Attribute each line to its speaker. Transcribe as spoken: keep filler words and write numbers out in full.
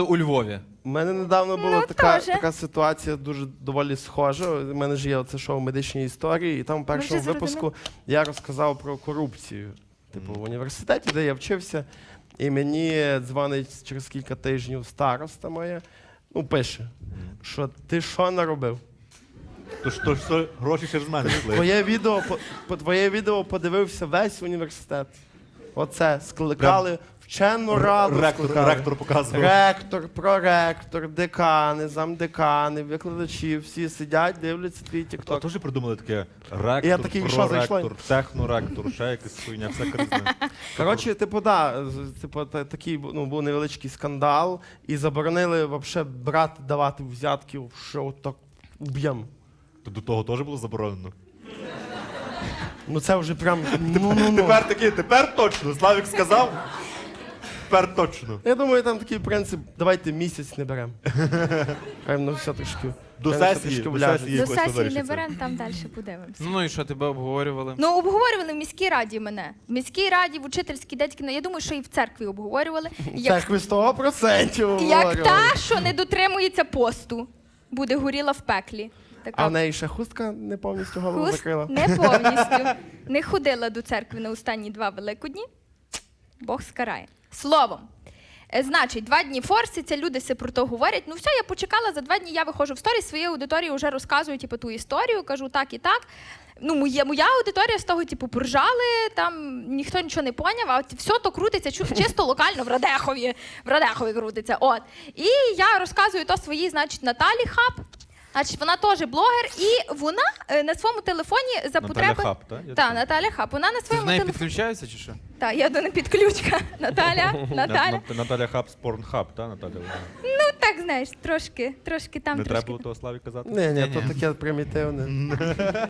Speaker 1: У Львові.
Speaker 2: У мене недавно була
Speaker 3: Ну,
Speaker 2: така,
Speaker 3: теж.
Speaker 2: така ситуація дуже доволі схожа. У мене ж є оце шоу «Медичні історії», і там в першому
Speaker 3: вже
Speaker 2: випуску я розказав про корупцію. Типу, в університеті, де я вчився, і мені дзвонить через кілька тижнів староста моя, ну, пише, що ти що наробив?
Speaker 4: Тож, тож, тож гроші через мене йшли.
Speaker 2: Твоє відео, по, по твоє відео подивився весь університет. Оце, скликали вчену раду.
Speaker 4: Ректор,
Speaker 2: скликали.
Speaker 4: ректор показував.
Speaker 2: Ректор, проректор, декани, замдекани, викладачі, всі сидять, дивляться твій
Speaker 4: А
Speaker 2: тікток.
Speaker 4: теж придумали таке ректор,
Speaker 2: Я такий, що зайшло?
Speaker 4: проректор, техноректор, ще якась хуйня, все кризне.
Speaker 2: Коротше, типу, да, з- типу, та- такий ну, був невеличкий скандал, і заборонили вообще брати, давати взятків, що так уб'єм.
Speaker 4: То до того теж було заборонено.
Speaker 2: Ну це вже прям, ну, ну, ну.
Speaker 4: Тепер такий, тепер точно, Славік сказав, тепер точно.
Speaker 2: Я думаю, там такий принцип, давайте місяць не беремо. Хай воно все трішки.
Speaker 4: До
Speaker 2: хай воно все
Speaker 4: сесії,
Speaker 2: трішки
Speaker 4: до
Speaker 2: вляже.
Speaker 4: сесії.
Speaker 3: До
Speaker 4: якось
Speaker 3: сесії не
Speaker 4: вирішиться.
Speaker 3: беремо, там далі подивимося.
Speaker 1: Ну і що, тебе обговорювали?
Speaker 3: Ну, обговорювали в міській раді мене. В міській раді, в учительській, дядьки, я думаю, що і в церкві обговорювали. Як,
Speaker 2: Церкви сто процентів
Speaker 3: як
Speaker 2: говорю.
Speaker 3: та, що не дотримується посту, буде горіла в пеклі. Така
Speaker 2: А в неї ще хустка не повністю голову
Speaker 3: хуст
Speaker 2: закрила.
Speaker 3: не повністю. Не ходила до церкви на останні два великодні. Бог скарає. Словом. Е, Значить, два дні форситься, люди все про то говорять. Ну все, я почекала, за два дні я виходжу в сторіс, своїй аудиторії вже розказую типу, ту історію, кажу так і так. Ну, моя, моя аудиторія з того, типу, поржали, там ніхто нічого не поняв, а от все то крутиться чу- чисто локально в Радехові. В Радехові крутиться. От. І я розказую то своїй, значить, Наталі Хаб. Значить, вона теж блогер, і вона е, на своєму телефоні за
Speaker 4: Наталя
Speaker 3: потреби...
Speaker 4: Хаб, так? Я
Speaker 3: Так,
Speaker 4: чув.
Speaker 3: Наталя Хаб. Вона на
Speaker 1: Ти з
Speaker 3: своєму
Speaker 1: нею
Speaker 3: телефоні...
Speaker 1: підключаються чи що?
Speaker 3: Так, я до не підключка. Наталя, Наталя.
Speaker 4: На- Наталя Хаб з Порнхаб, так, Наталя?
Speaker 3: Ну, так, знаєш, трошки, трошки там,
Speaker 4: Не
Speaker 3: трошки
Speaker 4: треба було того Славі казати?
Speaker 2: Ні, ні,
Speaker 1: Ні-ні.
Speaker 2: то таке примітивне.